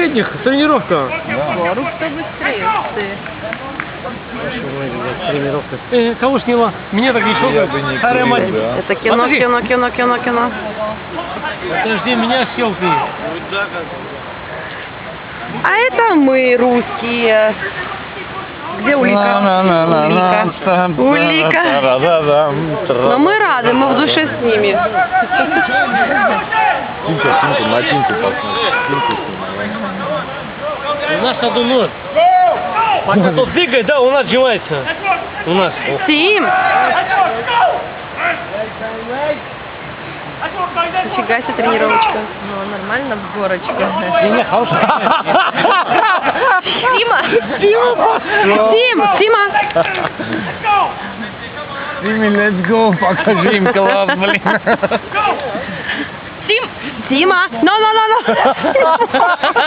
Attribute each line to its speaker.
Speaker 1: этих, тренировка.
Speaker 2: Рук кто быстрее, ты.
Speaker 1: Тренировка. Кого сняла? Мне так не
Speaker 3: Я бы не
Speaker 1: Старая мать.
Speaker 3: курил, да.
Speaker 2: Это кино,
Speaker 1: Смотри.
Speaker 2: кино.
Speaker 1: Подожди, меня съел ты.
Speaker 2: А это мы, русские. Где Улика? Улика. Но мы рады, мы в душе с ними.
Speaker 3: Тинька, на Тиньку посмотри. Тиньку снимай.
Speaker 1: У нас одно. Пока тот двигает, да, он отжимается. У нас.
Speaker 2: Тим! Нифига себе тренировочка.
Speaker 4: Ну, нормально в горочке.
Speaker 1: Не, хорошая.
Speaker 2: Тима! Тима!
Speaker 3: Тимми, let's go, покажи им класс, блин.
Speaker 2: Тима! No!